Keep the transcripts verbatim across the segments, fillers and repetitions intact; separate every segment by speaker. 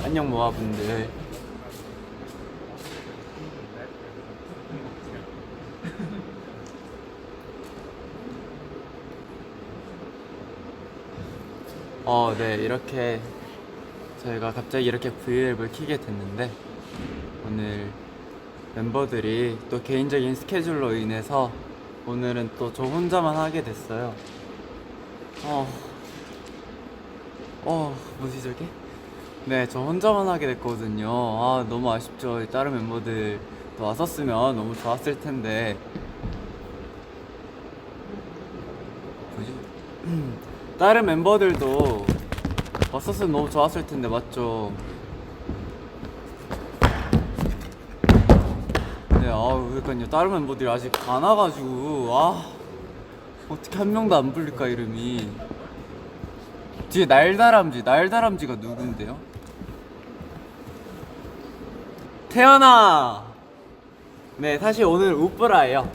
Speaker 1: 안녕 모아분들. 어, 네, 이렇게 저희가 갑자기 이렇게 브이앱을 켜게 됐는데 오늘 멤버들이 또 개인적인 스케줄로 인해서 오늘은 또 저 혼자만 하게 됐어요. 어, 어, 뭐지 저게? 네, 저 혼자만 하게 됐거든요. 아, 너무 아쉽죠. 다른 멤버들 또 왔었으면 너무 좋았을 텐데. 뭐지? 다른 멤버들도 왔었으면 너무 좋았을 텐데, 맞죠? 네, 아우, 그러니까요. 다른 멤버들이 아직 안 와가지고, 아, 어떻게 한 명도 안 불릴까, 이름이. 뒤에 날다람쥐, 날다람쥐가 누군데요? 태연아! 네, 사실 오늘 우뿌라예요.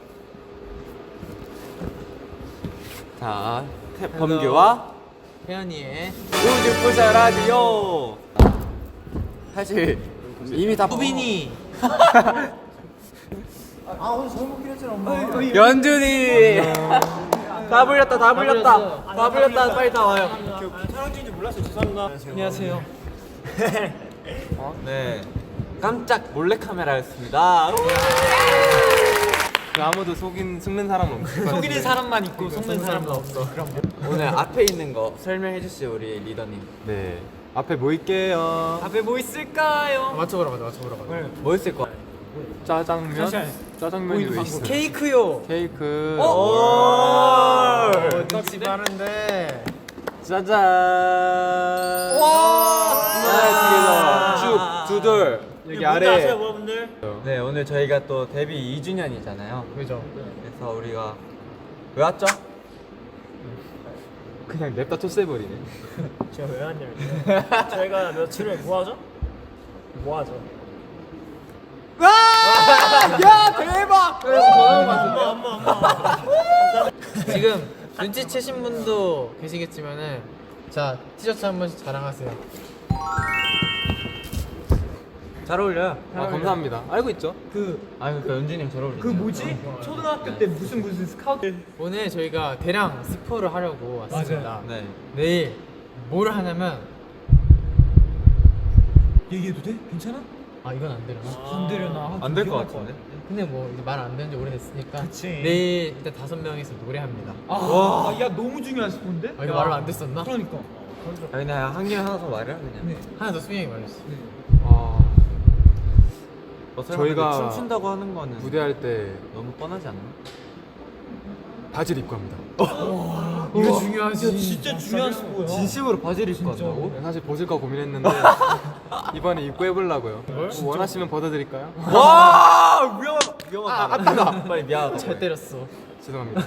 Speaker 1: 자, 태, 범규와
Speaker 2: 태연이의
Speaker 1: 우주부자 라디오. 사실 이미 다
Speaker 2: 우빈이.
Speaker 3: 아 오늘 잘 먹긴 했잖아 엄마.
Speaker 1: 연준이. 다 불렸다, 다 불렸다, 다 불렸다. 빨리 다 와요.
Speaker 3: 촬영 중인지 몰랐어요. 죄송합니다.
Speaker 2: 안녕하세요.
Speaker 1: 어? 네, 깜짝 몰래 카메라였습니다.
Speaker 4: 그 아무도 속인 속는 사람은 없을 것
Speaker 2: 속이는 사람만 있고 속는 사람은 없어.
Speaker 1: 오늘 앞에 있는 거 설명해 주시죠, 우리 리더님.
Speaker 4: 네, 앞에 모일게요.
Speaker 2: 앞에 뭐 있을까요?
Speaker 3: 맞춰보라 맞아 맞춰보라 맞아.
Speaker 1: 뭐 있을 거?
Speaker 4: 짜장면, 짜장면이 왜 있어?
Speaker 2: 케이크요.
Speaker 4: 케이크.
Speaker 2: 오!
Speaker 3: 떡지 빠른데.
Speaker 1: 짜잔.
Speaker 2: 와!
Speaker 1: 하나, 둘, 쭉, 두돌.
Speaker 4: 여기 아래.
Speaker 3: 여러분들?
Speaker 1: 네, 오늘 저희가 또 데뷔 이 주년이잖아요.
Speaker 3: 그죠.
Speaker 1: 그래서 우리가 왜 왔죠?
Speaker 4: 그냥 냅다 토스해버리네.
Speaker 3: 제가 왜 왔냐면 저희가 며칠을 뭐하죠? 뭐하죠?
Speaker 1: 야, 대박!
Speaker 3: 엄마 엄마 엄마.
Speaker 2: 지금 눈치채신 분도 계시겠지만은 자 티셔츠 한 번씩 자랑하세요.
Speaker 1: 잘 어울려요.
Speaker 4: 아, 감사합니다. 알고 있죠?
Speaker 2: 그
Speaker 1: 아, 그러니까 연준이 형 잘 어울리네.
Speaker 3: 그 뭐지? 초등학교 때 무슨 무슨 스카우트.
Speaker 2: 오늘 저희가 대량 스포를 하려고 왔습니다.
Speaker 1: 네.
Speaker 2: 내일 뭘 하냐면
Speaker 3: 얘기해도 돼? 괜찮아?
Speaker 2: 아 이건 안 되려나?
Speaker 3: 안 되려나?
Speaker 1: 안 될 것 같은데?
Speaker 2: 근데 뭐 말 안 되는 지 오래됐으니까
Speaker 3: 그치.
Speaker 2: 내일 일단 다섯 명이서 노래합니다.
Speaker 3: 아, 야 너무 중요한 스폰데?
Speaker 2: 아, 이거 말로 안 됐었나?
Speaker 3: 그러니까.
Speaker 1: 아, 그냥 한 개만 하나 더 말해 그냥.
Speaker 3: 네.
Speaker 2: 하나 더 수영이 말했어.
Speaker 4: 아,
Speaker 1: 어, 설마
Speaker 4: 저희가
Speaker 1: 근데 춤춘다고 하는 거는
Speaker 4: 무대할 때
Speaker 1: 너무 뻔하지 않나?
Speaker 4: 바지를 입고 합니다.
Speaker 2: 이거 중요하지.
Speaker 3: 진짜 중요한 스포야.
Speaker 1: 진심으로 바지를 입고 한다고?
Speaker 4: 네, 사실 벗을까 고민했는데 이번에 입고 해보려고요. 뭐 원하시면 벗어드릴까요?
Speaker 1: 와, 위험하다. 위험하다. 아, 아빠가. 빨리 미안하다.
Speaker 2: 잘 때렸어.
Speaker 4: 죄송합니다.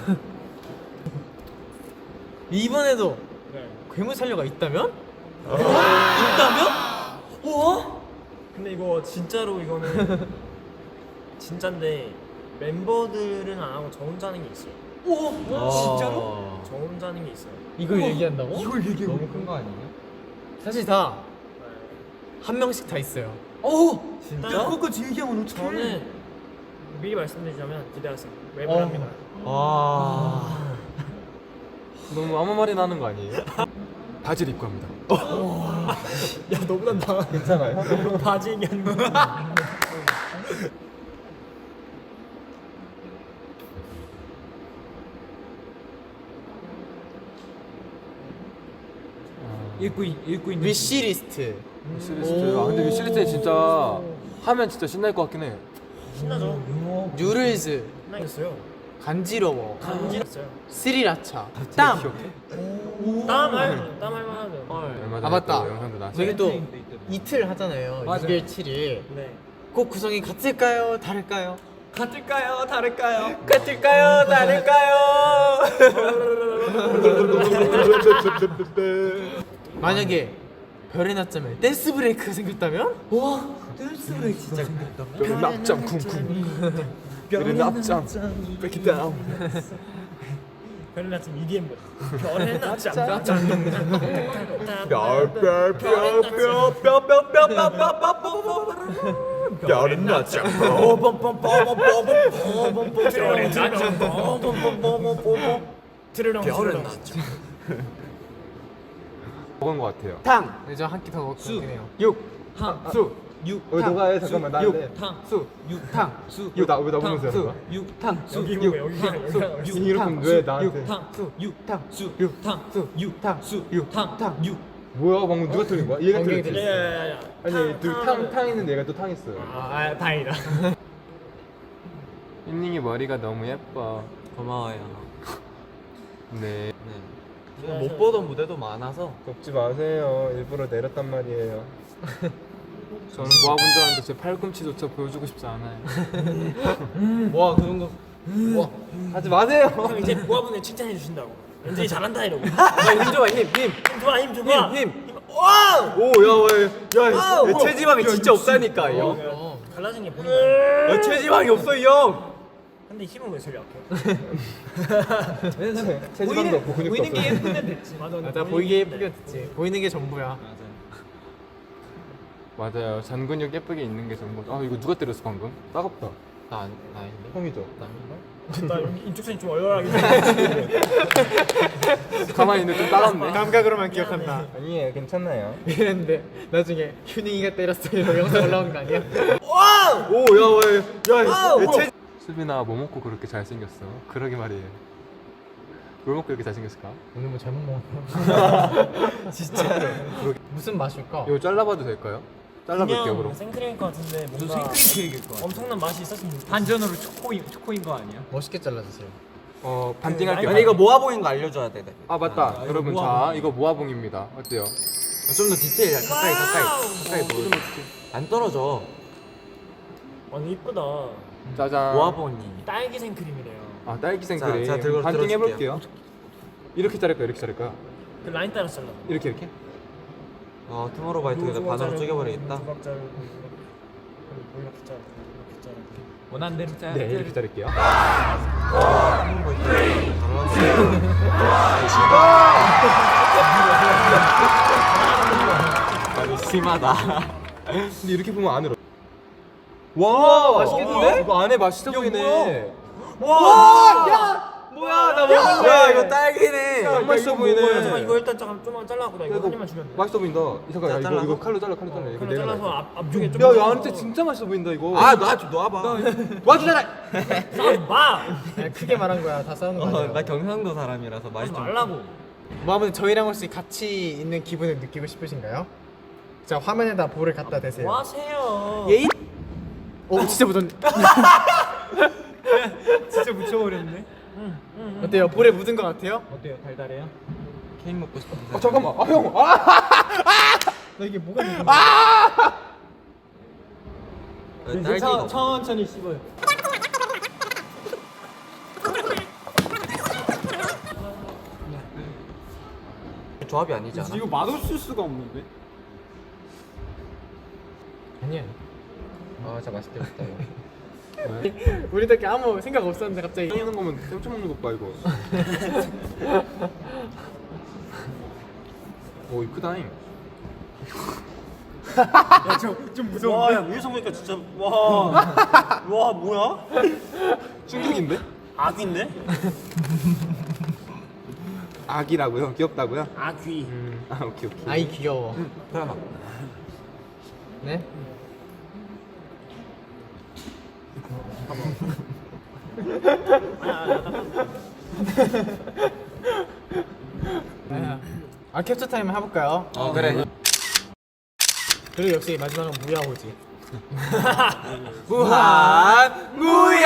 Speaker 2: 이번에도
Speaker 3: 네.
Speaker 2: 괴물 살려가 있다면? 있다면? 우와?
Speaker 3: 근데 이거 진짜로 이거는 진짠데 멤버들은 안 하고 저 혼자 하는 게 있어요.
Speaker 2: 우와?
Speaker 1: 아,
Speaker 3: 진짜로? 저 혼자 하는 게 있어요.
Speaker 2: 이걸 얘기한다고?
Speaker 3: 이걸 얘기해.
Speaker 1: 너무 큰 거 아니에요?
Speaker 2: 사실 다 한 명씩 다 있어요. 오!
Speaker 1: 진짜?
Speaker 3: 그거까지 얘기하면 어떡해? 저는 미리 말씀드리자면 기대하세요. 랩을
Speaker 2: 어.
Speaker 3: 합니다.
Speaker 1: 와.
Speaker 4: 너무 아무 말이나 하는 거 아니에요? 바지를 입고 합니다.
Speaker 3: 야 너보다 나
Speaker 1: 괜찮아요?
Speaker 3: 바지 얘기하는 거. 읽고 있- 읽고 있는.
Speaker 2: 위시리스트.
Speaker 4: 위시리스트. 아, 근데 위시리스트 진짜 하면 진짜 신날 것 같긴 해.
Speaker 3: 신나죠?
Speaker 2: 뉴럴즈.
Speaker 3: 신나겠어요.
Speaker 2: 간지러워.
Speaker 3: 간지났어요.
Speaker 2: 스리라차. 땀.
Speaker 3: 땀할 땀할 만하죠.
Speaker 4: 얼마 전에
Speaker 2: 아, 맞다.
Speaker 4: 또 영상도 나왔어요.
Speaker 2: 저희 또 이틀 하잖아요. 육 일, 칠 일.
Speaker 3: 네.
Speaker 2: 꼭 구성이 같을까요? 다를까요?
Speaker 3: 같을까요? 다를까요?
Speaker 2: 같을까요? 다를까요? 만약에 별의 낮잠에 댄스 브레이크가 생겼다면? 와, 댄스 브레이크 진짜 생겼다.
Speaker 4: 별의 낮잠 쿵쿵. 별의 낮잠. Break it down.
Speaker 3: 별의 낮잠 이디엠 뭐 별의 낮잠 낮잠
Speaker 4: 별은 낮잠.
Speaker 3: 별의 낮잠 별의 낮잠
Speaker 4: 먹은 것 같아요.
Speaker 2: 탕. 네, 저 한 끼 더 먹긴 해요.
Speaker 4: 육.
Speaker 3: 탕
Speaker 4: 수.
Speaker 3: 육
Speaker 4: 어, 너가 해 잠깐만 나 할래.
Speaker 3: 탕
Speaker 2: 수.
Speaker 3: 육탕 수
Speaker 4: 이거 나왜 나보면서 하는 거야?
Speaker 2: 육탕.
Speaker 3: 여기 보고 여기
Speaker 4: 수. 이렇게 왜 나한테?
Speaker 3: 육탕 수 육탕 수 육탕 수 육탕 수 육탕 육
Speaker 4: 뭐야 방금 누가 틀린 거야? 얘가
Speaker 2: 엉덩이
Speaker 4: 틀렸지.
Speaker 3: 야야야야
Speaker 4: 아니 탕탕 있는데 얘가 또 탕 있어요.
Speaker 3: 아 다행이다
Speaker 4: 닝닝이 머리가 너무 예뻐.
Speaker 1: 고마워요.
Speaker 4: 네.
Speaker 1: 못 보던 무대도 많아서
Speaker 4: 걷지 마세요. 일부러 내렸단 말이에요. 저는 모아분들한테 제 팔꿈치조차 보여주고 싶지 않아요.
Speaker 1: 와 그런 거
Speaker 4: 와, 하지 마세요.
Speaker 3: 형 이제 모아분을 칭찬해 주신다고 연준이 잘한다 이러고
Speaker 1: 힘 줘봐 힘 힘.
Speaker 3: 힘 좋아 힘 좋아
Speaker 1: 힘, 와! 오, 야, 야, 야, 야, 체지방이 진짜 없다니까, 이 형.
Speaker 3: 어, 갈라진 게 보이는 거야
Speaker 1: 야, 체지방이 없어, 이 형.
Speaker 3: 근데 힘은 왜 저리 약해
Speaker 4: 체지방도 없고 근육도
Speaker 2: 보이는 게
Speaker 4: 없어요.
Speaker 2: 예쁘면 됐지.
Speaker 3: 맞아
Speaker 2: 맞아, 보이게 예쁘게 됐지. 보이는 게 전부야.
Speaker 4: 맞아요. 잔 근육 예쁘게 있는 게 전부. 아 이거 누가 때렸어 방금? 따갑다.
Speaker 1: 나, 안- 나 아닌데?
Speaker 4: 형이죠.
Speaker 3: 나 여기 인쪽선이 좀 얼얼하게
Speaker 4: 가만히 있는데 좀 따갑네.
Speaker 2: 감각으로만 기억한다.
Speaker 4: 아니에요, 괜찮아요.
Speaker 2: 이랬는데 나중에 휴닝이가 때렸어 이런 영상 올라온 거 아니야?
Speaker 1: 오, 야, 야, 야, 야, 체
Speaker 4: 수빈아 뭐 먹고 그렇게 잘생겼어? 그러게 말이에요. 뭘 먹고 이렇게 잘생겼을까?
Speaker 2: 오늘 뭐 잘못 먹었나?
Speaker 1: 진짜로.
Speaker 2: 무슨 맛일까?
Speaker 4: 이거 잘라봐도 될까요? 잘라볼게요
Speaker 3: 그냥
Speaker 4: 그럼.
Speaker 3: 생크림일 것 같은데 뭔가
Speaker 1: 생크림 케이크일 거야.
Speaker 3: 엄청난 맛이 있었으면 좋겠어
Speaker 1: 반전으로 초코인, 초코인 거 아니야?
Speaker 2: 멋있게 잘라주세요.
Speaker 4: 어 반띵할게요.
Speaker 1: 아니, 이거 모아보인 거 알려줘야 돼.
Speaker 4: 아 맞다.
Speaker 1: 아, 이거
Speaker 4: 여러분 자
Speaker 1: 모아봉.
Speaker 4: 이거 모아봉입니다. 어때요?
Speaker 1: 좀 더 디테일, 가까이, 가까이. 가까이
Speaker 3: 어,
Speaker 1: 보여. 안 떨어져.
Speaker 3: 아니 이쁘다
Speaker 4: 짜잔.
Speaker 1: 모아보니.
Speaker 3: 딸기 생크림이래요
Speaker 4: 아 딸기 생크림.
Speaker 1: 자, 자, 들고
Speaker 4: 반띵
Speaker 1: 들어줄게요.
Speaker 4: 해볼게요. 이렇게 자를까요? 이렇게 자를까요?
Speaker 3: 그 라인 따라서 잘라
Speaker 4: 이렇게 이렇게?
Speaker 1: 어, 투모로우바이투게더 반으로 쪼개버리겠다.
Speaker 3: 조각 자르고 뭐 이렇게 자르고 이렇게 자르고
Speaker 1: 원하는 대로 짜야
Speaker 4: 네 이렇게 자를게요.
Speaker 1: 아니, 심하다.
Speaker 4: 근데 이렇게 보면 안으로. 와
Speaker 1: 맛있겠는데?
Speaker 4: 이거 안에 맛있어 보이네.
Speaker 1: 와! 야! 뭐야, 나 먹었네. 야, 이거 딸기네.
Speaker 4: 너무 맛있어
Speaker 3: 잠깐 이거
Speaker 4: 보이네.
Speaker 3: 일단 잠깐 좀만 잘라고 나 이거 한 입만 주면 돼
Speaker 4: 맛있어 보인다. 이 잠깐 야,
Speaker 1: 자,
Speaker 4: 이거
Speaker 1: 잘라서?
Speaker 4: 이거 칼로 잘라 칼로 잘라. 이거
Speaker 3: 그럼
Speaker 4: 내가
Speaker 3: 잘라서
Speaker 4: 놔.
Speaker 3: 앞, 앞쪽에 좀
Speaker 4: 야, 야한테 진짜 맛있어 보인다 이거.
Speaker 1: 아, 놔, 좀 놔봐.
Speaker 4: 와주잖아.
Speaker 3: 싸우지 마!
Speaker 2: 아니, 크게 말한 거야. 다 싸우는 거
Speaker 1: 어,
Speaker 2: 아니야.
Speaker 1: 나 경상도 사람이라서 말이
Speaker 3: 하지
Speaker 1: 좀.
Speaker 3: 말라고
Speaker 2: 뭐 아무튼 저희랑 혹시 같이 있는 기분을 느끼고 싶으신가요? 자, 화면에다 볼을 갖다 대세요.
Speaker 3: 뭐 하세요
Speaker 1: 예잇?
Speaker 2: 오, 진짜 묻었네.
Speaker 3: 진짜 묻혀버렸네
Speaker 2: 어때요? 볼에 묻은 거 같아요?
Speaker 3: 어때요? 달달해요?
Speaker 1: 케이크 먹고 싶은데.
Speaker 4: 아 잠깐만. 아 형. 아.
Speaker 2: 나 이게 뭐가 묻은
Speaker 1: 어, 딸기가 없어.
Speaker 3: 천천히 씹어요
Speaker 1: 조합이 아니지 않아?
Speaker 5: 이거 맛없을 수가 없는데?
Speaker 2: 아니야.
Speaker 4: 아 진짜 맛있겠다 이거.
Speaker 2: 우리들끼리 아무 생각 없었는데 갑자기
Speaker 4: 먹는 거면 깜짝 먹는 것 봐 이거. 오 이거 크다잉.
Speaker 3: 좀 무서운데? 와, 야, 위에서 보니까 진짜 와, 와 뭐야?
Speaker 4: 충격인데?
Speaker 3: 아귀인데?
Speaker 4: 아기라고요? 귀엽다고요?
Speaker 3: 아귀
Speaker 4: 아 오케이 오케이.
Speaker 2: 아이 귀여워.
Speaker 1: 태연아.
Speaker 2: 네? 아 캡처 타임 해볼까요?
Speaker 1: 어, 그래.
Speaker 2: 그리고 역시 마지막은 무야호지.
Speaker 1: 무한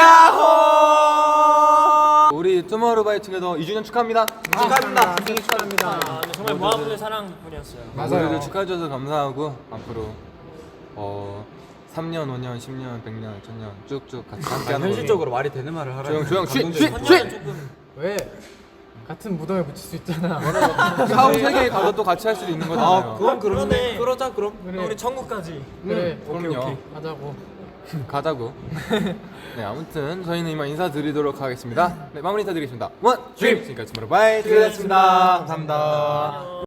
Speaker 1: 무야호.
Speaker 4: 우리 투모로우바이투게더 이 주년 축하합니다.
Speaker 1: 축하합니다.
Speaker 2: 생일 축하합니다.
Speaker 3: 아, 근데 정말 모아분의 사랑뿐이었어요
Speaker 2: 맞아요.
Speaker 4: 우리를 축하해 주셔서 감사하고 앞으로 어 삼 년, 오 년, 십 년, 백 년, 천 년 쭉쭉 같이 함께하는
Speaker 1: 현실적으로 말이 되는 말을 하라.
Speaker 4: 조용 조용 쉬
Speaker 1: 감동적이야.
Speaker 4: 쉬
Speaker 3: 천년은
Speaker 4: 쉬.
Speaker 3: 조금
Speaker 2: 왜? 같은 무덤에 붙일 수 있잖아.
Speaker 4: 사후 세계에 가서 또 같이 할 수도 있는 거잖아요.
Speaker 1: 아, 그건 그러네.
Speaker 3: 그러네.
Speaker 1: 그러자 그럼.
Speaker 2: 그래.
Speaker 3: 우리 천국까지
Speaker 2: 그래.
Speaker 4: 그럼요.
Speaker 2: 하자고.
Speaker 4: 가자고. 네, 아무튼 저희는 이만 인사드리도록 하겠습니다. 네, 마무리 인사드리겠습니다. 원, 드림. 지금까지 투모로우바이 드림이었습니다. 감사합니다.